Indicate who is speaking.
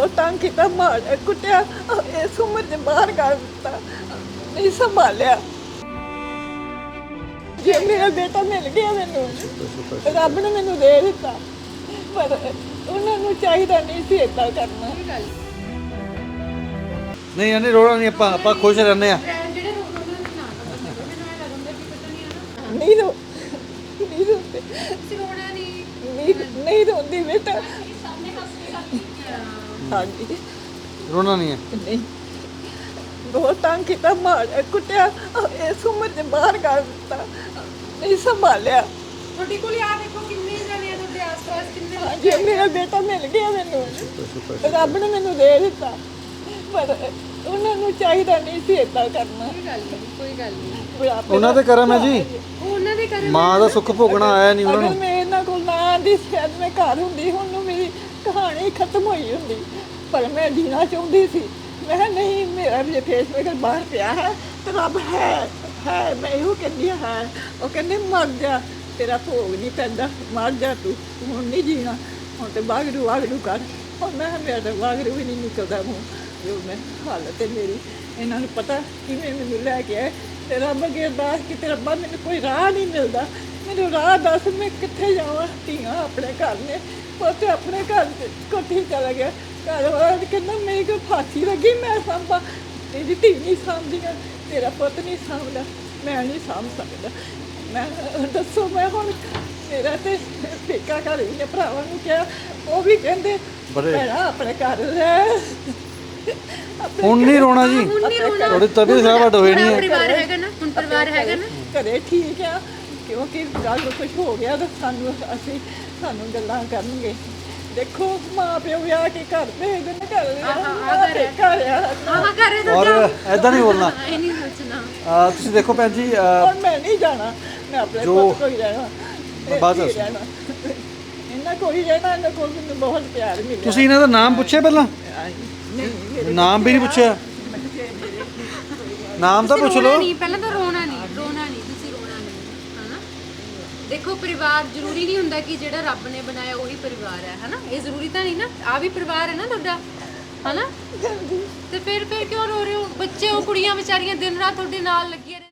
Speaker 1: बहुत तंग किया, मार कुटिया, इस उम्र च बाहर कर दिता, नहीं संभालिया। जे मेरा बेटा मिल गया मैनू, रब ने मैनू दे दिता, पर उन्होंने चाहिए नहीं सी इदा करना।
Speaker 2: नहीं यानी रोना नहीं, ਆਪਾਂ खुश रहने आ।
Speaker 1: नहीं रो नहीं रोते, नहीं रोती बेटा। हाँ जी,
Speaker 2: रोना नहीं है।
Speaker 1: नहीं बहुत तंग किया, मार कुटिया, इस उम्र च बाहर कर दिता, नहीं संभालिया। जे मेरा बेटा मिल गया मैनू, रब ने मैनू दे दिता, पर उन्होंने चाहिए नहीं सी इदा करना।
Speaker 2: ਉਹਨਾਂ ਦੇ ਕਰਮ ਹੈ ਜੀ, ਮਾਂ ਦਾ ਸੁੱਖ ਭੋਗਣਾ ਆਇਆ ਨਹੀਂ ਉਹਨਾਂ
Speaker 1: अगर
Speaker 2: ਨੂੰ।
Speaker 1: मैं इन्हों को ना आती शायद मैं घर होंगी, हुण नूं मेरी कहानी खत्म हुई होंगी, पर मैं जीना चाहती सी। मैं कहा नहीं, मेरा भी फेस मेरे बाहर पिया है तो रब है, मैं इहो कहनी है। वो कहते मर जा, तेरा भोग नहीं पैंदा, मर जा तू, हुण नहीं जीना, हुण तो वागरू वागरू कर। और मैं कहा मेरा तो वागरू भी नहीं निकलता मूँह, जो मैं हालत है मेरी। इन्हों ने पता कि मैं मैनू लैके आए, ते रब अगे अरदास कि रब्बा मैनू कोई राह नहीं मिलता, मैनू राह दस, मैं कित्थे जावां। धीआं अपने घर ने, पुत्त अपने घर कोठी चला गया, घर वाला कहना मेरी कोई फांसी लगी, मैं सांभा, तेरी धी नहीं सांभदियां, तेरा पुत्त नहीं सांभदा, मैं नहीं सांभ सकदा। मैं दसो मैं हुण मेरा ते पेका घर भी ने भरावां नूं कहा, वो भी कहंदे भैणा अपने घर रह।
Speaker 2: ਹੁਣ नहीं रोना जी, थोड़ी तबीयत खराब हट होई नहीं है।
Speaker 3: परिवार हैगा ना, हुण परिवार हैगा ना,
Speaker 1: घरे ठीक आ, क्योंकि गल कुछ हो गया तो सानू असीं सानू गल्लां करनगे। देखो माँ प्यो विआह के घर भेजदे ने, घर घर
Speaker 3: हाँ करे तो
Speaker 2: और
Speaker 3: जाओ,
Speaker 2: ऐदा नहीं बोलना।
Speaker 3: ये नहीं सोचना।
Speaker 2: ਤੁਸੀਂ ਦੇਖੋ ਭੈਣ ਜੀ,
Speaker 1: और मैं नहीं जाना, मैं अपने पुत्त कोल ही रहना,
Speaker 2: बस
Speaker 1: ਇੱਥੇ ਹੀ ਰਹਿਣਾ। इन्हां कोल ही रहना, इन्हां कोल मैनूं बहुत प्यार मिलिਆ।
Speaker 2: ਤੁਸੀਂ ਇਹਨਾਂ ਦਾ ਨਾਮ ਪੁੱਛਿਆ ਪਹਿਲਾਂ?
Speaker 1: नहीं मेरे
Speaker 2: ਨਾਮ ਵੀ ਨਹੀਂ ਪੁੱਛਿਆ? ਨਾਮ ਤਾਂ ਪੁੱਛ
Speaker 3: ਰੋਣਾ
Speaker 2: ਲਓ।
Speaker 3: ਨਹੀਂ, ਪਹਿਲਾਂ ਤਾਂ ਰੋਣਾ ਨਹੀਂ, ਤੁਸੀਂ ਰੋਣਾ ਨਹੀਂ, ਹਨਾ। ਦੇਖੋ ਪਰਿਵਾਰ ਜ਼ਰੂਰੀ ਨਹੀਂ ਹੁੰਦਾ ਕਿ ਜਿਹੜਾ ਰੱਬ ਨੇ ਬਣਾਇਆ ਉਹੀ ਪਰਿਵਾਰ ਹੈ, ਹਨਾ। ਇਹ ਜ਼ਰੂਰੀ ਤਾਂ ਨਹੀਂ ਨਾ, ਆ ਵੀ ਪਰਿਵਾਰ ਹੈ ਨਾ ਤੁਹਾਡਾ, ਹਨਾ। ਤੇ ਫਿਰ ਕਿਉਂ ਰੋ ਰਹੇ ਹੋ? ਬੱਚੇ ਉਹ ਕੁੜੀਆਂ ਵਿਚਾਰੀਆਂ ਦਿਨ ਰਾਤ ਤੁਹਾਡੇ ਨਾਲ ਲੱਗੀਆਂ